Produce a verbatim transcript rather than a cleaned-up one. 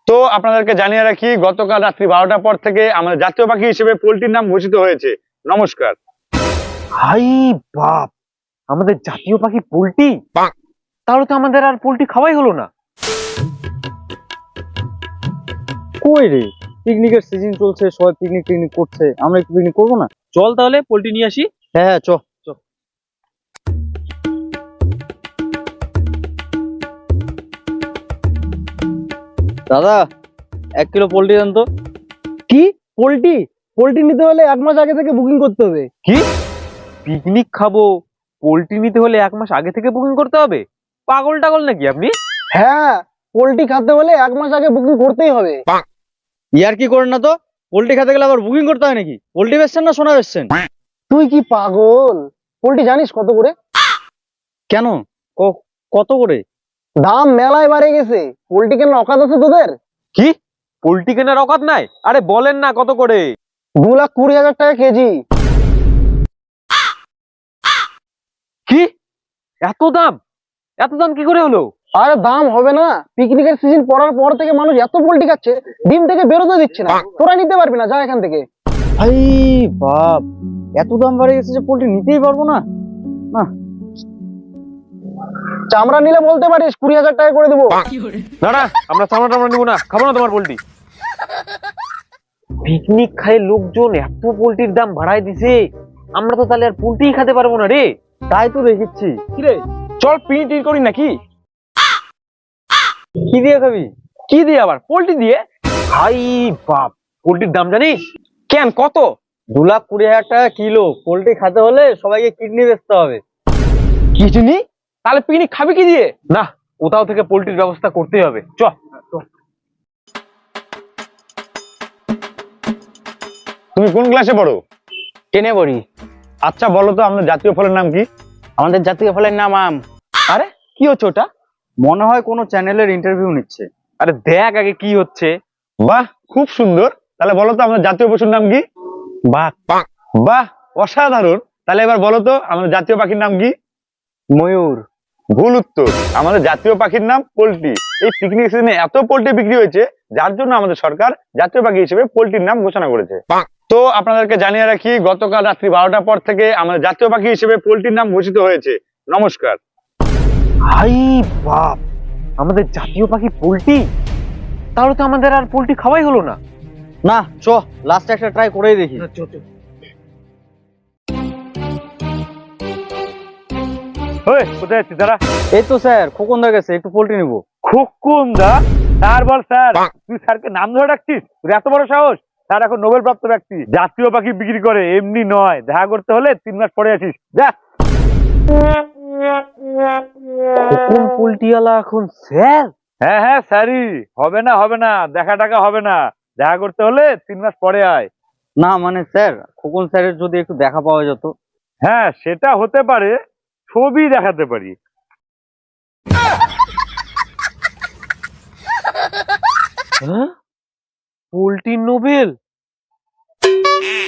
তো আপনাদেরকে জানিয়ে রাখি, গতকাল রাত্রি বারোটার পর থেকে আমাদের জাতীয় পাখি হিসেবে পোল্ট্রির নাম ঘোষিত হয়েছে। নমস্কার। হাই বাপ, আমাদের জাতীয় পাখি পোল্ট্রি। তাহলে তো আমাদের আর পোল্ট্রি খাওয়াই হলো না। কই রে, পিকনিকের সিজন চলছে, সবাই পিকনিক টিকনিক করছে, আমরা একটু পিকনিক করবো না? চল তাহলে পোল্ট্রি নিয়ে আসি। হ্যাঁ হ্যাঁ চ চ। দাদা, এক কিলো পোল্ট্রি দেন তো। কি পোল্ট্রি? পোল্ট্রি নিতে হলে এক মাস আগে থেকে বুকিং করতে হবে। কি পিকনিক খাবো, পোল্ট্রি নিতে হলে এক মাস আগে থেকে বুকিং করতে হবে? পাগল টাগল নাকি আপনি? হ্যাঁ, পোল্ট্রি খেতে হলে এক মাস আগে বুকিং করতেই হবে। ইয়ার কি করেন না তো, পোল্ট্রি খেতে গেলে আবার বুকিং করতে হয় নাকি? পোল্ট্রি বেচছেন না সোনা বেচছেন? তুই কি পাগল? পোল্ট্রি জানিস কত করে? কেন, ক- কত করে? দাম মেলায় বাড়ে গেছে। পোল্ট্রি কেনার অকাত আছে তোদের? কি পোল্ট্রি কেনার অকাত নাই? আরে বলেন না কত করে? দু লাখ কুড়ি হাজার টাকা কেজি। কি এত দাম? এত দাম কি করে হলো? আরে দাম হবে না, পিকনিকের সিজন পড়ার পর থেকে মানুষ এত পোল্ট্রি খাচ্ছে, ডিম থেকে বেরোতে দিচ্ছে না। তোরা নিতে পারবি না, যা এখান থেকে। ভাই বাপ, এত দাম বেড়ে গেছে যে পোল্ট্রি নিতেই পারবো না। না, চামড়া নিলে বলতে পারিস, কুড়ি হাজার টাকা করে দেবো। না না, আমরা চামড়া টামড়া নিবো না, খাবো না তোমার পোল্ট্রি। পিকনিক খায় লোকজন এত পোল্ট্রির দাম বাড়ায় দিছে, আমরা তো তাহলে আর পোল্ট্রি খেতে পারবো না রে। তাই তো দেখেছি। কি রে, চল পিকনিক করি নাকি? কি দিয়ে খাবি? কি দিয়ে আবার? পোল্ট্রি দিয়ে। হাই বাপ, পোল্ট্রির দাম জানিস? কেন, কত? দু লাখ কুড়ি হাজার টাকা কিলো। পোল্ট্রি খেতে হলে সবাইকে কিডনি বেচতে হবে। কিডনি? তাহলে পিকনিক খাবি কি দিয়ে? না, কোথাও থেকে পোল্ট্রির ব্যবস্থা করতেই হবে। চ। তুমি কোন ক্লাসে পড়ো? টেনে পড়ি। আচ্ছা বলো তো, আমাদের জাতীয় ফলের নাম কি? আমাদের জাতীয় ফলের নাম আম। আরে কি হচ্ছে ওটা? মনে হয় কোনো চ্যানেলের ইন্টারভিউ নিচ্ছে। আরে দেখ আগে কি হচ্ছে। বাহ, খুব সুন্দর। তাহলে বলো তো, আমাদের জাতীয় পশুর নাম কি? বাঘ। বাহ, অসাধারণ। তাহলে এবার বলো তো, আমাদের জাতীয় পাখির নাম কি? ময়ূর। ভুল উত্তর। আমাদের জাতীয় পাখির নাম পোল্ট্রি। এই পিকনিক সিজনে এত পোল্ট্রি বিক্রি হয়েছে, যার জন্য আমাদের সরকার জাতীয় পাখি হিসেবে পোল্ট্রির নাম ঘোষণা করেছে। তো আপনাদেরকে জানিয়ে রাখি, গতকাল রাত্রি বারোটার পর থেকে আমাদের জাতীয় পাখি হিসেবে পোল্ট্রির নাম ঘোষিত হয়েছে। নমস্কার। হাই বাপ, আমাদের জাতীয় পাখি পোল্ট্রি। তাহলে তো আমাদের আর পোল্ট্রি খাওয়াই হলো না। না, চ লাস্ট একটা ট্রাই করেই দেখি। ওই, কোথায় যাচ্ছিস দাঁড়া? এই তো স্যার, খোকন দা গেছে, একটু পোল্ট্রি নিবো। খুকুন দা? স্যার বল স্যার। তুই স্যারকে নাম ধরে ডাকছিস? তোর এত বড় সাহস? স্যার এখন নোবেল প্রাপ্ত ব্যক্তি, জাতীয় পাখি বিক্রি করে, এমনি নয়। দেখা করতে হলে তিন মাস পরে আসিস, যা। কোন পোল্ট্রিওয়ালা এখন স্যার? হ্যাঁ হ্যাঁ স্যারই। হবে না হবে না, দেখা টাকা হবে না। দেখা করতে হলে তিন মাস পরে আয়। না মানে স্যার, খোকন স্যারের যদি একটু দেখা পাওয়া যেত। হ্যাঁ সেটা হতে পারে, ছবি দেখাতে পারি। Poultry Nobel?